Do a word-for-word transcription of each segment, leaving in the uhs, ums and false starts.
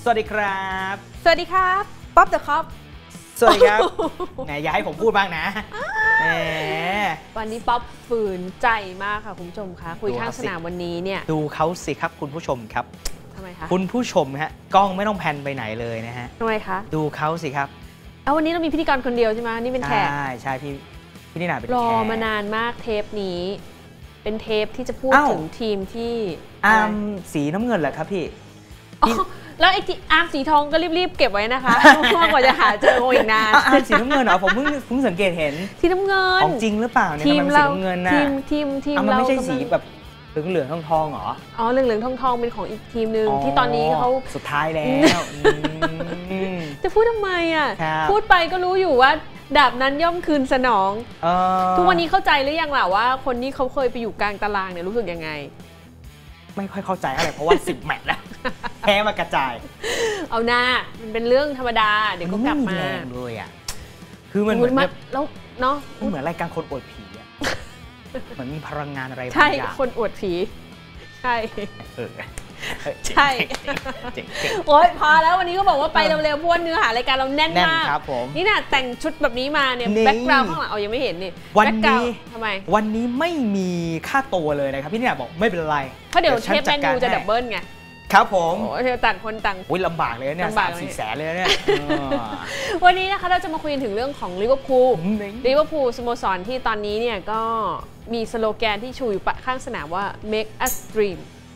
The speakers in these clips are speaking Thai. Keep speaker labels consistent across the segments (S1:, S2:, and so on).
S1: สวัสดีครับ
S2: สวัสดีครับป๊อปเดอะคอป
S1: สวัสดีครับไหนอย่าให้ผมพูดบ้างนะแหม
S2: วันนี้ป๊อปฝืนใจมากค่ะคุณผู้ชมคะคุยข้างสนามวันนี้เนี่ย
S1: ดูเขาสิครับคุณผู้ชมครับ
S2: ทำไมคะ
S1: คุณผู้ชมฮะกล้องไม่ต้องแพนไปไหนเลยนะฮะ
S2: ทำไมคะ
S1: ดูเขาสิครับ
S2: เอาวันนี้เรามีพิธีกรคนเดียวใช่ไหมนี่เป็นแขก
S1: ใช่ใช่พี่พี่นี่นาเป็นแขก
S2: รอมานานมากเทปนี้เป็นเทปที่จะพูดถึงทีมที่
S1: อาร์มสีน้ำเงินเหรอครับพี่
S2: แล้วไอ้อาร์มสีทองก็รีบๆเก็บไว้นะคะเพราะกว่าจะหาเจอโออีกนาน
S1: อาร์มสีน้ำเงินเหรอผมเพิ่งเพิ่งสังเกตเห็น
S2: สีน้ำเงิน
S1: ของจริงหรือเปล่าเนี่ยทำไมมันสีน้ำเงินน่ะ
S2: ทีมทีมทีม
S1: เราไม่ใช่สีแบบเหลืองเหลืองทองทองหรอ
S2: อ๋อเหลืองเหลืองทองทองเป็นของอีกทีมหนึ่งที่ตอนนี้เขา
S1: สุดท้ายแล้ว
S2: จะพูดทำไมอ่ะพูดไปก็รู้อยู่ว่าดาบนั้นย่อมคืนสนองทุกวันนี้เข้าใจหรือยังล่ะว่าคนนี้เขาเคยไปอยู่กลางตารางเนี่ยรู้สึกยังไง
S1: ไม่ค่อยเข้าใจอะไรเพราะว่าสิบแมตช์แล้วแพ้มากระจาย
S2: เอาหน้ามันเป็นเรื่องธรรมดาเดี๋ยวก็กลับมา
S1: เลยอ่ะคือมันเหมือน
S2: แล้วเนาะ
S1: เหมือนรายการคนอวดผีอ่ะเหมือนมีพลังงานอะไรบาง
S2: อย่างใช่คนอวดผีใช่ใช่โอ๊ยพอแล้ววันนี้ก็บอกว่าไปเร็วๆเพราะว่าเนื้อหารายการเราแน่นมากนี่น่ะแต่งชุดแบบนี้มาเนี่ยแบ็คกราวด์ข้างหลังเอายังไม่เห็นนี่
S1: วันนี้
S2: ทำไม
S1: วันนี้ไม่มีค่าตัวเลยนะครับพี่เนี่ยบอกไม่เป็นไร
S2: เพราะเดี๋ยวเทปแมนยูจะดับเบิลไง
S1: ครับผม
S2: โอ้เธอต่างคนต่าง
S1: อุ้ยลำบากเลยเนี่ยสามสี่แสนเลยเนี่ย
S2: วันนี้นะคะเราจะมาคุยถึงเรื่องของลิเวอร์พูลลิเวอร์พูลสโมสรที่ตอนนี้เนี่ยก็มีสโลแกนที่ชูอยู่ข้างสนามว่า make us dream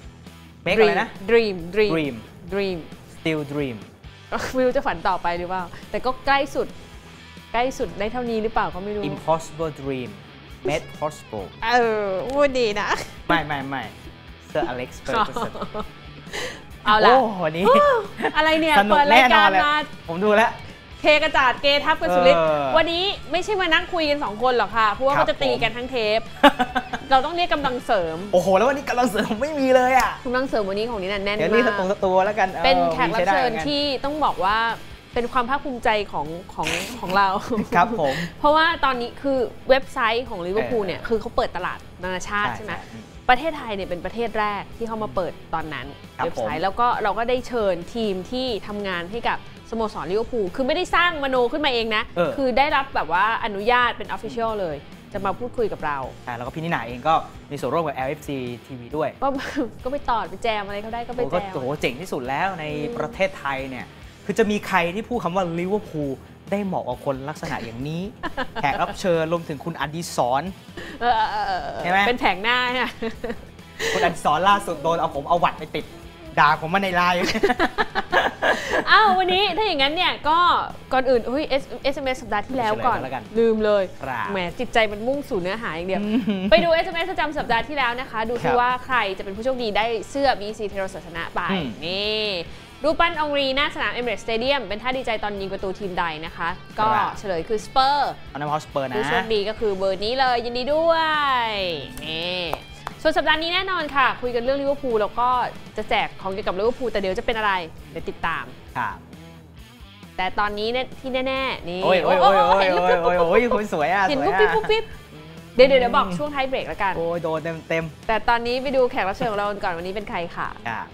S1: make อะไรนะ
S2: dream dream
S1: dream
S2: dream
S1: still dream
S2: ไม่รู้จะฝันต่อไปหรือเปล่าแต่ก็ใกล้สุดใกล้สุดได้เท่านี้หรือเปล่าก็ไม่รู้
S1: impossible dream made possible
S2: เออพูดดีนะ
S1: ไม่ไม่ไม่ Sir Alex Ferguson
S2: เอาละ
S1: วันนี้
S2: อะไรเนี่ยเปิดรายการมา
S1: ผมดูแล้ว
S2: เทกระจาดเกทับกันสุดฤทธิ์วันนี้ไม่ใช่มานั่งคุยกันสองคนหรอกค่ะเพราะว่าเขาจะตีกันทั้งเทปเราต้องเรียกกำลังเสริม
S1: โอ้โหแล้ววันนี้กำลังเสริมไม่มีเลยอ่ะ
S2: กำลังเสริมวันนี้ของนี้น่ะแน่นมาก
S1: เดี๋ยวนี้สตูสตูแล้วกัน
S2: เป็นแขกรับเชิญที่ต้องบอกว่าเป็นความภาคภูมิใจของของของเรา
S1: ครับผม
S2: เพราะว่าตอนนี้คือเว็บไซต์ของลิเวอร์พูลเนี่ยคือเขาเปิดตลาดนานาชาติใช่ไหมประเทศไทยเนี่ยเป็นประเทศแรกที่เขามาเปิดตอนนั้นเว็บไซต์แล้วก็เราก็ได้เชิญทีมที่ทำงานให้กับสโมสรลิเวอร์พูลคือไม่ได้สร้างมโนขึ้นมาเองนะคือได้รับแบบว่าอนุญาตเป็น Official เลยจะมาพูดคุยกับเรา
S1: ใช่แล้วก็พี่นิน่าเองก็มีส่วนร่วมกับ แอล เอฟ ซี ที วี ด้วย
S2: ก็ก็ไปตอดไปแจมอะไรเขาได้ก็ไปแจม
S1: โอ้โหเจ๋งที่สุดแล้วในประเทศไทยเนี่ยคือจะมีใครที่พูดคำว่าลิเวอร์พูลได้เหมาะกับคนลักษณะอย่างนี้แขกรับเชิญรวมถึงคุณอดิศรใช่ไหม
S2: เป็นแผงหน้าเนี่ย
S1: คุณอดิศรล่าสุดโดนเอาผมเอาวัดไปติดด่าผมมาในไลน์
S2: อ้าววันนี้ถ้าอย่างนั้นเนี่ยก็ก่อนอื่นเฮ้ย เอส เอ็ม เอส สัปดาห์ที่แล้วก่อนลืมเลยแหมจิตใจมันมุ่งสู่เนื้อหาอย่างเดียวไปดู เอส เอ็ม เอส ประจำสัปดาห์ที่แล้วนะคะดูซิว่าใครจะเป็นผู้โชคดีได้เสื้อ บี ซี เทโรศาสนะไปนี่รูปปั้นองรีหน้าสนามเอมิเรตส์สเตเดียมเป็นท่าดีใจตอนยิงประตูทีมใดนะคะก็เฉลยคือสเปอร์
S1: อันนั้นเพราะสเปอร์นะ
S2: ผู้โชคดีก็คือเบอร์นี้เลยยินดีด้วยนี่ส่วนสัปดาห์นี้แน่นอนค่ะคุยกันเรื่องลิเวอร์พูลแล้วก็จะแจกของเกี่ยวกับลิเวอร์พูลแต่เดี๋ยวจะเป็นอะไรเดี๋ยวติดตาม
S1: ครับ
S2: แต่ตอนนี้เนี่ยที่แน่ๆนี่
S1: โอ้ยโอ้ยโอ้ยโอ้ยโอ้ยโอ้ยโอ้ยคนสวยอ่ะ
S2: เห็นปุ๊บปิ๊บปุ๊บปิ๊บเดี๋ยวเดี๋ยวบอกช่วงท้ายเบรกแล้วกัน
S1: โอ้ยโดนเต็มเต็ม
S2: แต่ตอนนี้ไปดูแขกรับเชิญของเราก่อนวันนี้เป็นใครค่ะ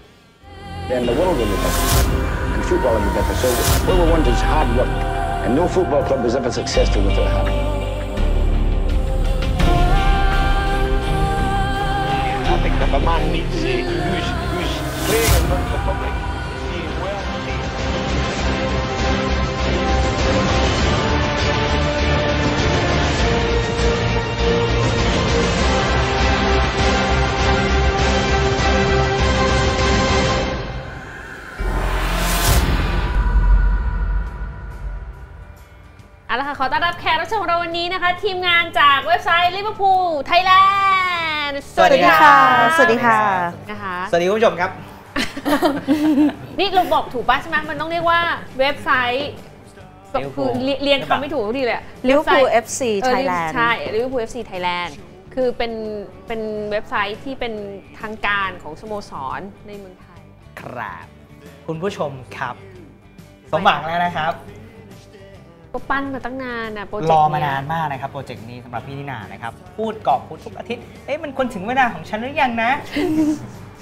S3: And the world will be better, and football will be better. So what we want is hard work, and no football club is ever successful without hard work. I think that the man needs uh, who's who's playing in front of the public, seeing well.
S2: เอาละค่ะขอต้อนรับแขกรับเชิญของเราวันนี้นะคะทีมงานจากเว็บไซต์ Liverpool Thailand
S1: สวัสดีค่ะ
S2: สวัสดีค่ะนะคะ
S1: สวัสดีคุณผู้ชมครับ
S2: นี่เราบอกถูกป่ะใช่ไหมมันต้องเรียกว่าเว็บไซต์คือเรียนคำไม่ถูกทีเลย
S4: Liverpool เอฟ ซี Thailand
S2: ใช่ Liverpool เอฟ ซี Thailand คือเป็นเป็นเว็บไซต์ที่เป็นทางการของสโมสรในเมืองไทย
S1: ครับคุณผู้ชมครับสมหวังแล้วนะครับ
S2: ก็ปั้นมาตั้งนานนะโปรเจกต์
S1: รอมานานมากนะครับโปรเจกต์นี้สำหรับพี่นิน่านะครับพูดกรอบพูดทุกอาทิตย์เอ๊ะมันควรถึงเวลาของฉันหรือยังนะ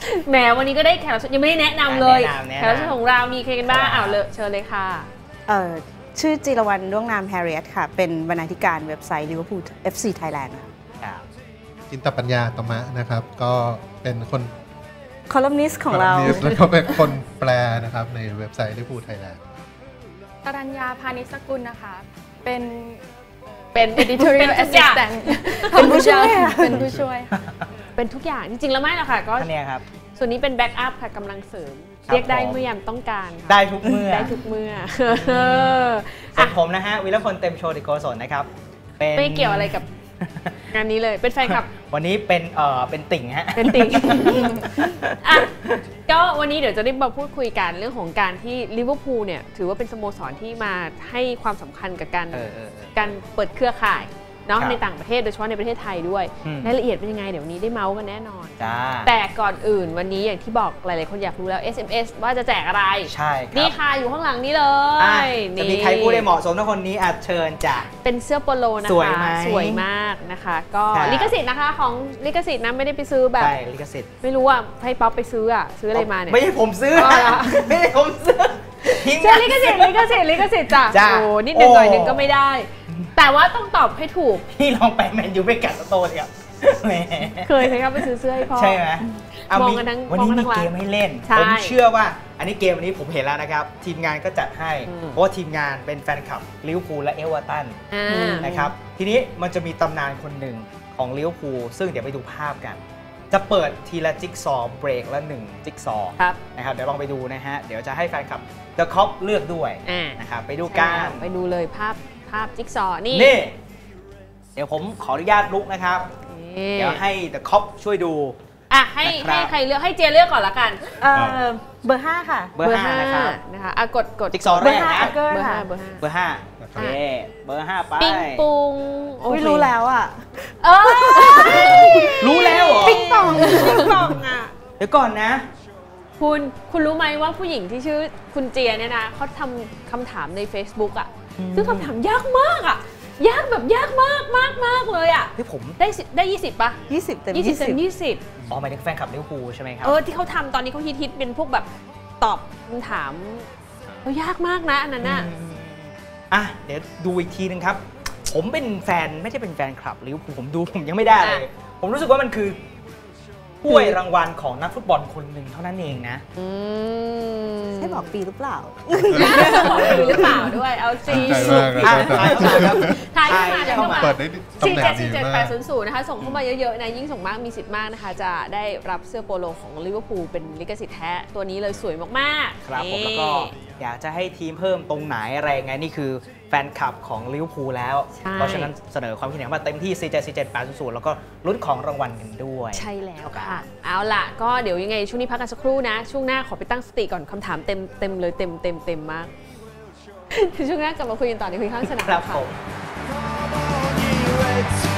S2: แหมวันนี้ก็ได้แขกรับเชิญยังไม่ได้แนะนำเลยแขกรับเชิญของเรามีใครกันบ้างอ้าวเลยเชิญเลยค่ะ
S4: เอ่อชื่อจิรวรรณด้วงนามแฮร์ริเอตค่ะเป็นบรรณาธิการเว็บไซต์ Liverpool เอฟ ซี Thailand ค่ะ
S5: จินตปัญญาตมะนะครับก็เป็นคน
S4: คอลัมนิสต์ของเรา
S5: แล้วก็เป็นคนแปลนะครับในเว็บไซต์ Liverpool Thailand
S6: ตรัญญาพานิชสกุลนะคะเป็น
S2: เป็น editorial assistant
S4: เป็นผู้ช่วย
S6: เป็นผู้ช่วย
S2: เป็นทุกอย่างจริงๆแล้วไม่หรอกค่ะก็
S1: เนี่ยครับ
S2: ส่วนนี้เป็นแบ็กอัพค่ะกำลังเสริมเรียกได้เมื่อยามต้องการ
S1: ได้ทุกเมื่อ
S2: ได้ทุกเมื่อ
S1: ส่วนผมนะฮะวิรพลเต็มโชติโกศลนะครับ
S2: ไม่เกี่ยวอะไรกับงานนี้เลยเป็นแฟนคลับ
S1: วันนี้เป็นเอ่อเป็นติ่งฮะ
S2: เป็นติ่งอ่ะก็วันนี้เดี๋ยวจะได้มาพูดคุยกันเรื่องของการที่ลิเวอร์พูลเนี่ยถือว่าเป็นสโมสรที่มาให้ความสำคัญกับการการเปิดเครือข่ายเนาะในต่างประเทศโดยเฉพาะในประเทศไทยด้วยรายละเอียดเป็นยังไงเดี๋ยวนี้ได้เมาส์กันแน่นอนแต่ก่อนอื่นวันนี้อย่างที่บอกหลายๆคนอยากรู้แล้ว เอส เอ็ม เอส ว่าจะแจกอะไร
S1: ใช่ครับ
S2: นี่ค่ะอยู่ข้างหลังนี้เลย
S1: จะมีใครพูดได้เหมาะสมทุกคนนี้อาจเชิญจ้ะ
S2: เป็นเสื้อโปโลนะคะสวยไหมสวยมากนะคะก็ลิขสิทธิ์นะคะของลิขสิทธิ์นะไม่ได้ไปซื้อแบบ
S1: ใช่ลิขสิทธิ์
S2: ไม่รู้ว่าให้ป๊อปไปซื้ออ่ะซื้ออะไรมาเนี่ย
S1: ไม่ใช่ผมซื้อไม่ใช่ผมซื้อ
S2: เชื่อลิขสิทธิ์ลิขสิทธิ์ลิขสิทธิ์จ้ะโอ้นิดหนึ่งหน่อยหนึ่งก็ไม่ได้แต่ว่าต้องตอบให้ถูก
S1: พี่ลองไปแมนยูไปกัดสโตนครับ
S2: เคยไหมครับไปซื้อเสื้อให้พ่อ
S1: ใช่ไหม
S2: มองกันทั้ง
S1: วันนี้มีเกมให้เล่นผมเชื่อว่าอันนี้เกมวันนี้ผมเห็นแล้วนะครับทีมงานก็จัดให้เพราะว่าทีมงานเป็นแฟนคลับลิเวอร์พูลและเอเวอร์ตันนะครับทีนี้มันจะมีตำนานคนหนึ่งของลิเวอร์พูลซึ่งเดี๋ยวไปดูภาพกันจะเปิดทีละจิ๊กซอว์เบรกละหนึ่งจิ๊กซอว์นะครับเดี๋ยวลองไปดูนะฮะเดี๋ยวจะให้แฟนคลับเดอะคอปเลือกด้วยนะครับไปดูกัน
S2: ไปดูเลยภาพภาพจิ๊กซอว์นี่
S1: นี่เดี๋ยวผมขออนุญาตลุกนะครับเดี๋ยวให้เดอะคอปช่วยดู
S2: อ่ะให้ให้ใครเลือกให้เจเลือกก่อนละกัน
S4: เออเบอร์ห้าค่ะ
S1: เบอร์ห้านะครับ
S2: นะคะอ่ะกดกด
S1: จิ๊กซอว์แรกนะ
S4: เบอร์ห้าเบอร์ห้า
S1: เบอร์ห้าโอเคเบอร์ห้าไป
S2: ปิ้งปุง
S4: ไม่รู้แล้วอ่ะ
S2: เออ
S1: รู้แล้วเหรอ
S4: ปิ้งปองปิ้งปองอ่ะ
S1: เดี๋ยวก่อนนะ
S2: คุณคุณรู้ไหมว่าผู้หญิงที่ชื่อคุณเจียเนี่ยนะเขาทำคำถามใน Facebook อ่ะซึ่งคำถามยากมากอ่ะยากแบบยากมากมากมากเลยอ่ะ
S1: ที่ผม
S2: ได้ได้ยี่สิบป่ะ
S4: ยี่สิบเต็ม
S2: ยี่สิบเต็มยี่สิบ
S1: อ๋อหมายถึงแฟนคลับลิเวอร์พูลใช่ไหมครับ
S2: เออที่เขาทำตอนนี้เขาฮิตฮิตเป็นพวกแบบตอบคำถามเขายากมากนะอันนั้นน่ะ
S1: อ่ะเดี๋ยวดูอีกทีนึงครับผมเป็นแฟนไม่ใช่เป็นแฟนคลับลิเวอร์พูลผมดูผมยังไม่ได้เลยผมรู้สึกว่ามันคือถ้วยรางวัลของนักฟุตบอลคนหนึ่งเท่านั้นเองนะ
S4: ใช่บอกปีหรือเปล่า
S2: บอกปีหรือเปล่าด้วยเอาจริง
S1: ทายเข้ามาครับ
S2: ทายเข้ามาเข้ามา
S5: เปิดได้
S2: สี่เจ็ดสี่เจ็ดแปดศูนย์ศูนย์นะคะส่งเข้ามาเยอะๆนะยิ่งส่งมากมีสิทธิ์มากนะคะจะได้รับเสื้อโปโลของลิเวอร์พูลเป็นลิขสิทธิ์แท้ตัวนี้เลยสวยมาก
S1: ๆครับผมแล้วก็อยากจะให้ทีมเพิ่มตรงไหนอะไรไงนี่คือแฟนคลับของลิเวอร์พูลแล้วเพราะฉะนั้นเสนอความคิดเห็นมาเต็มที่สี่เจ็ดสี่เจ็ดแปดศูนย์ศูนย์แล้วก็ลุ้นของรางวัลกันด้วย
S2: ใช่แล้วค่ะเอาล่ะก็เดี๋ยวยังไงช่วงนี้พักกันสักครู่นะช่วงหน้าขอไปตั้งสติก่อนคำถามเต็มเต็มเลยเต็มเต็มเต็มมากช่วงหน้ากลับมาคุยกันต่อในคุยข้างสนาม
S1: ครับผม